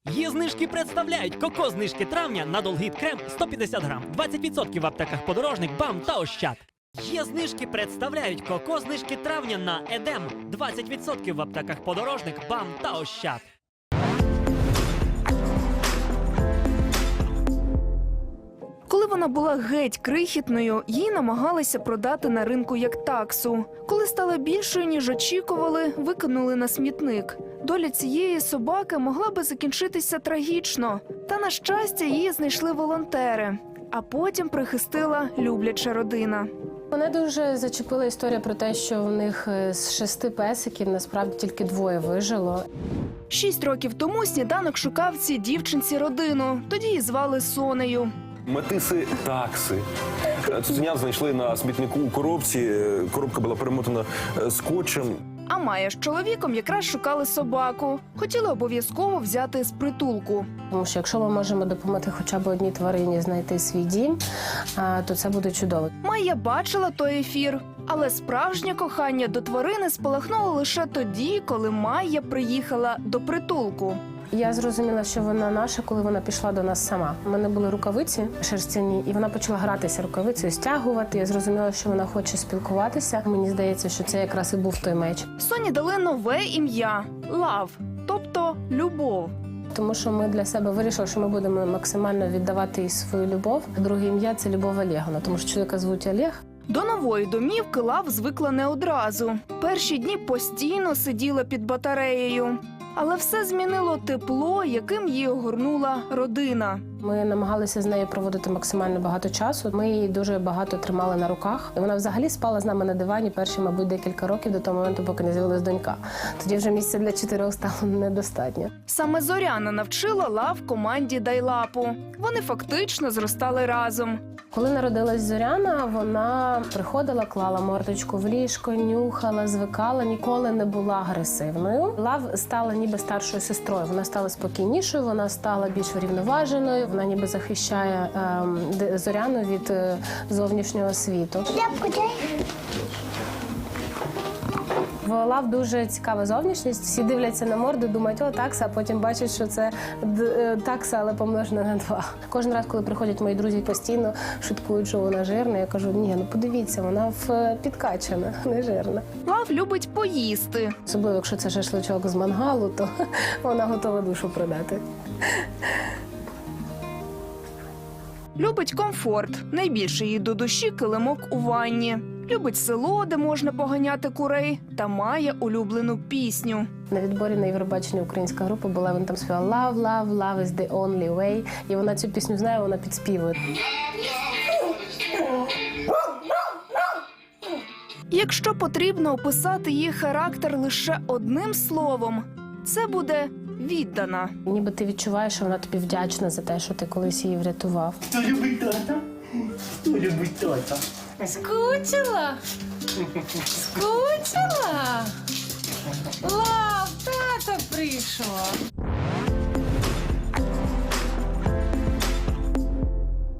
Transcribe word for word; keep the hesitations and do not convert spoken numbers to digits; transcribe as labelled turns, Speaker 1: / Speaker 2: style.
Speaker 1: Є знижки представляють коко-знижки травня на Долгіт крем сто п'ятдесят грам, двадцять відсотків в аптеках Подорожник, БАМ та Ощад. Є знижки представляють коко-знижки травня на Едем, двадцять відсотків в аптеках Подорожник, БАМ та Ощад.
Speaker 2: Коли вона була геть крихітною, її намагалися продати на ринку як таксу. Коли стала більшою, ніж очікували, викинули на смітник. Доля цієї собаки могла би закінчитися трагічно. Та, на щастя, її знайшли волонтери. А потім прихистила любляча родина.
Speaker 3: Мене дуже зачепила історія про те, що в них з шести песиків насправді тільки двоє вижило.
Speaker 2: Шість років тому Сніданок шукав цій дівчинці родину. Тоді її звали Сонею.
Speaker 4: Метиси такси. Цуценят знайшли на смітнику у коробці. Коробка була перемотана скотчем.
Speaker 2: А Майя з чоловіком якраз шукали собаку. Хотіли обов'язково взяти з притулку.
Speaker 3: Тому що якщо ми можемо допомогти хоча б одній тварині знайти свій дім, то це буде чудово.
Speaker 2: Майя бачила той ефір. Але справжнє кохання до тварини спалахнуло лише тоді, коли Майя приїхала до притулку.
Speaker 3: Я зрозуміла, що вона наша, коли вона пішла до нас сама. У мене були рукавиці шерстяні, і вона почала гратися рукавицею, стягувати. Я зрозуміла, що вона хоче спілкуватися. Мені здається, що це якраз і був той меч.
Speaker 2: Соні дали нове ім'я – Лав, тобто любов.
Speaker 3: Тому що ми для себе вирішили, що ми будемо максимально віддавати їй свою любов. Друге ім'я – це Любов Олеговна, тому що чоловіка звуть Олег.
Speaker 2: До нової домівки Лав звикла не одразу. Перші дні постійно сиділа під батареєю. Але все змінило тепло, яким її огорнула родина.
Speaker 3: Ми намагалися з нею проводити максимально багато часу. Ми її дуже багато тримали на руках. І вона взагалі спала з нами на дивані перші, мабуть, декілька років до того моменту, поки не з'явилась донька. Тоді вже місця для чотирьох стало недостатньо.
Speaker 2: Саме Зоряна навчила Лав команді Дайлапу. Вони фактично зростали разом.
Speaker 3: Коли народилась Зоряна, вона приходила, клала мордочку в ліжко, нюхала, звикала, ніколи не була агресивною. Лав стала ніби старшою сестрою. Вона стала спокійнішою, вона стала більш врівноваженою. Вона ніби захищає е, Зоряну від е, зовнішнього світу. В Лав дуже цікава зовнішність. Всі дивляться на морду, думають, о, такса, а потім бачать, що це такса, але помножена на два. Кожен раз, коли приходять мої друзі, постійно шуткують, що вона жирна. Я кажу, ні, ну подивіться, вона в підкачана, не жирна.
Speaker 2: Лав любить поїсти.
Speaker 3: Особливо, якщо це шашличок з мангалу, то вона готова душу продати.
Speaker 2: Любить комфорт. Найбільше їй до душі килимок у ванні. Любить село, де можна поганяти курей, та має улюблену пісню.
Speaker 3: На відборі на Євробаченні українська група була, він там співав «Love, love, love is the only way». І вона цю пісню знає, вона підспівує.
Speaker 2: Якщо потрібно описати її характер лише одним словом, це буде «віддана».
Speaker 3: Ніби ти відчуваєш, що вона тобі вдячна за те, що ти колись її врятував.
Speaker 5: Хто любить тата? Хто любить тата?
Speaker 3: Скучила? Скучила?